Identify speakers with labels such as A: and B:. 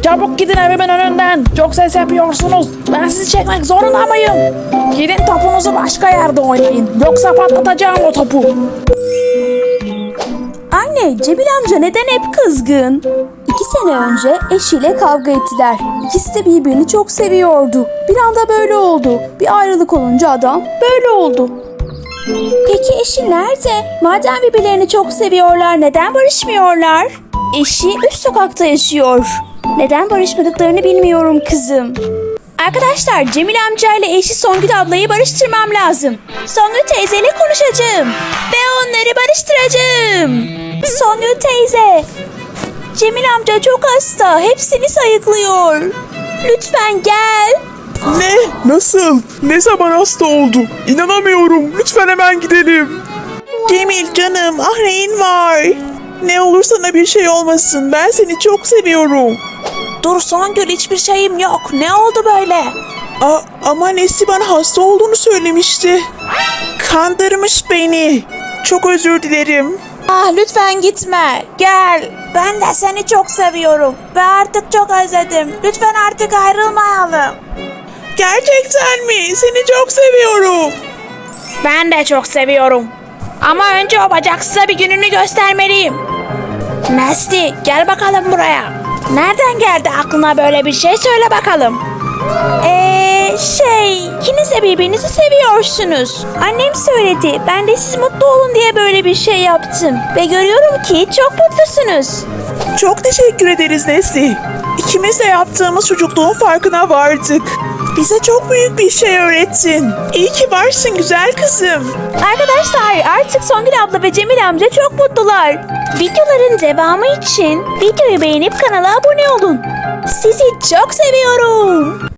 A: Çabuk gidin evimin önünden. Çok ses yapıyorsunuz. Ben sizi çekmek zorunda mıyım? Gidin topunuzu başka yerde oynayın. Yoksa patlatacağım o topu.
B: Anne, Cemil amca neden hep kızgın? 2 sene önce eşiyle kavga ettiler. İkisi de birbirini çok seviyordu. Bir anda böyle oldu. Bir ayrılık olunca adam böyle oldu. Peki eşi nerede? Madem birbirlerini çok seviyorlar, neden barışmıyorlar? Eşi üst sokakta yaşıyor. Neden barışmadıklarını bilmiyorum kızım. Arkadaşlar, Cemil amcayla eşi Songül ablayı barıştırmam lazım. Songül teyzeyle konuşacağım. Ve onları barıştıracağım. Songül teyze. Cemil amca çok hasta. Hepsini sayıklıyor. Lütfen gel.
C: Ne? Nasıl? Ne zaman hasta oldu? İnanamıyorum. Lütfen hemen gidelim. Cemil canım, ah neyin var? Ne olur sana bir şey olmasın. Ben seni çok seviyorum.
B: Dur Songül, hiçbir şeyim yok. Ne oldu böyle?
C: Ama Nesli bana hasta olduğunu söylemişti. Kandırmış beni. Çok özür dilerim.
B: Ah lütfen gitme. Gel. Ben de seni çok seviyorum. Ve artık çok özledim. Lütfen artık ayrılmayalım.
C: Gerçekten mi? Seni çok seviyorum.
A: Ben de çok seviyorum. Ama önce o bacaksıza bir gününü göstermeliyim. Nesli, gel bakalım buraya. Nereden geldi aklına böyle bir şey, söyle bakalım.
B: İkiniz de birbirinizi seviyorsunuz. Annem söyledi. Ben de siz mutlu olun diye böyle bir şey yaptım. Ve görüyorum ki çok mutlusunuz.
C: Çok teşekkür ederiz Nesli. İkimiz de yaptığımız çocukluğun farkına vardık. Bize çok büyük bir şey öğrettin. İyi ki varsın güzel kızım.
B: Arkadaşlar, artık Songül abla ve Cemil amca çok mutlular. Videoların devamı için videoyu beğenip kanala abone olun. Sizi çok seviyorum.